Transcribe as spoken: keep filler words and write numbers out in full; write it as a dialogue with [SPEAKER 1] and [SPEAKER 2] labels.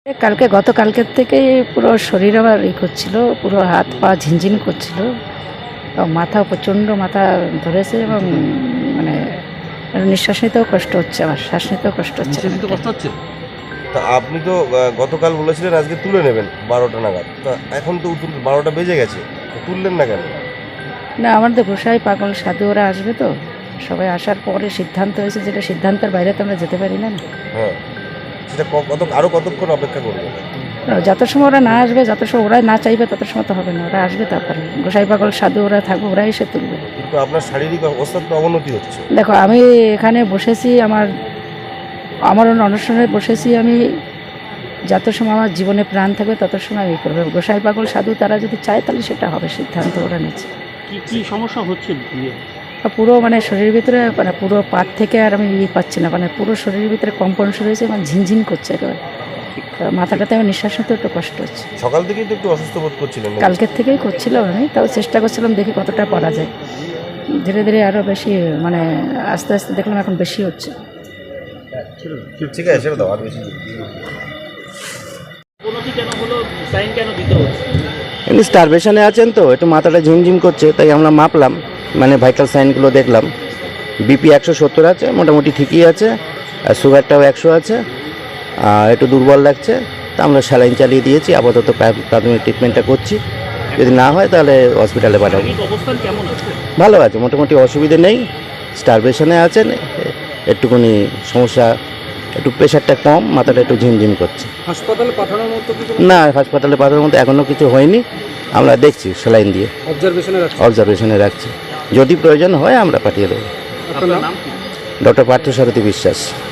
[SPEAKER 1] কালকে গতকালকের থেকেই পুরো শরীর আবার ই করছিল, পুরো হাত পা ঝিনঝিন করছিল, মাথা প্রচণ্ড মাথা ধরেছে এবং মানে নিঃশ্বাস নিতেও কষ্ট হচ্ছে, আমার শ্বাস নিতেও কষ্ট হচ্ছে
[SPEAKER 2] কষ্ট হচ্ছে।
[SPEAKER 3] তা আপনি তো আহ, গতকাল বলেছিলেন আজকে তুলে নেবেন বারোটা নাগাদ, তা এখন তো তুল- বারোটা বেজে গেছে, তো তুললেন না কেন?
[SPEAKER 1] না, আমাদের গোসাই পাগল সাধু ওরা আসবে তো, সবাই আসার পরে সিদ্ধান্ত হয়েছে, যেটা সিদ্ধান্তের বাইরে তো আমরা যেতে পারি না।
[SPEAKER 3] হ্যাঁ, সেটা ক- কত আরও কতক্ষণ অপেক্ষা করবেন?
[SPEAKER 1] যত সময় ওরা না আসবে, যত সময় ওরা না চাইবে তত সময় তো হবে না, ওরা আসবে তারপরে গোসাই পাগল সাধু ওরা থাকবে, ওরা এসে তুলবে।
[SPEAKER 3] কিন্তু আপনার শারীরিক অবস্থার তো অবনতি হচ্ছে।
[SPEAKER 1] দেখো, আমি এখানে বসেছি, আমার আমার অনুষ্ঠানে বসেছি আমি, যত সময় আমার জীবনে প্রাণ থাকবে তত সময় আমি করবো। গোসাই পাগল সাধু তারা যদি চায় তাহলে সেটা হবে, সিদ্ধান্ত ওরা নিচ্ছে।
[SPEAKER 2] কি কি সমস্যা হচ্ছে দিয়ে?
[SPEAKER 1] পুরো মানে শরীরের ভিতরে মানে পুরো পাট থেকে আর আমি ই পাচ্ছি না, মানে পুরো শরীরের ভিতরে কম্পন শুরু হয়েছে, মানে ঝিনঝিন করছে একেবারে, মাথাটাতে আমার নিঃশ্বাস নিতে একটু কষ্ট হচ্ছে।
[SPEAKER 3] সকাল থেকেই তো একটু অসুস্থ বোধ করছিলেন নাকি?
[SPEAKER 1] কালকের থেকেই করছিলাম আমি, তাও চেষ্টা করছিলাম দেখি কতটা পারা যায়। ধীরে ধীরে আরও বেশি মানে আস্তে আস্তে দেখলাম এখন বেশি হচ্ছে।
[SPEAKER 3] ঠিক আছে, ছেড়ে দাও, আর বেশি
[SPEAKER 2] অবনতি কেন হলো, সাইন কেন দিতে হচ্ছে?
[SPEAKER 4] এমনি স্টারভেশনে আছেন তো, একটু মাথাটা ঝিমঝিম করছে, তাই আমরা মাপলাম, মানে ভাইটাল সাইনগুলো দেখলাম। বিপি একশো সত্তর আছে, মোটামুটি ঠিকই আছে, আর সুগারটাও একশো আছে, আর একটু দুর্বল লাগছে, তা আমরা স্যালাইন চালিয়ে দিয়েছি, আপাতত প্রা- প্রাথমিক ট্রিটমেন্টটা করছি, যদি না হয় তাহলে হসপিটালে পাঠাবো।
[SPEAKER 2] শারীরিক অবস্থান কেমন আছে?
[SPEAKER 4] ভালো আছে, মোটামুটি অসুবিধে নেই। স্টারভেশনে আছেন, একটুখানি সমস্যা, একটু প্রেশারটা কম, মাথাটা একটু ঝিমঝিম করছে।
[SPEAKER 2] হাসপাতালে পাঠানোর মতো কিছু
[SPEAKER 4] না, হাসপাতালে পাঠানোর মতো এখনও কিছু হয়নি, আমরা দেখছি স্যালাইন দিয়ে
[SPEAKER 2] অবজারভেশনে রাখছে?
[SPEAKER 4] অবজারভেশনে রাখছি, যদি প্রয়োজন হয় আমরা পাঠিয়ে দেবো।
[SPEAKER 2] আপনার নাম কি?
[SPEAKER 4] ডক্টর পার্থসারথী বিশ্বাস।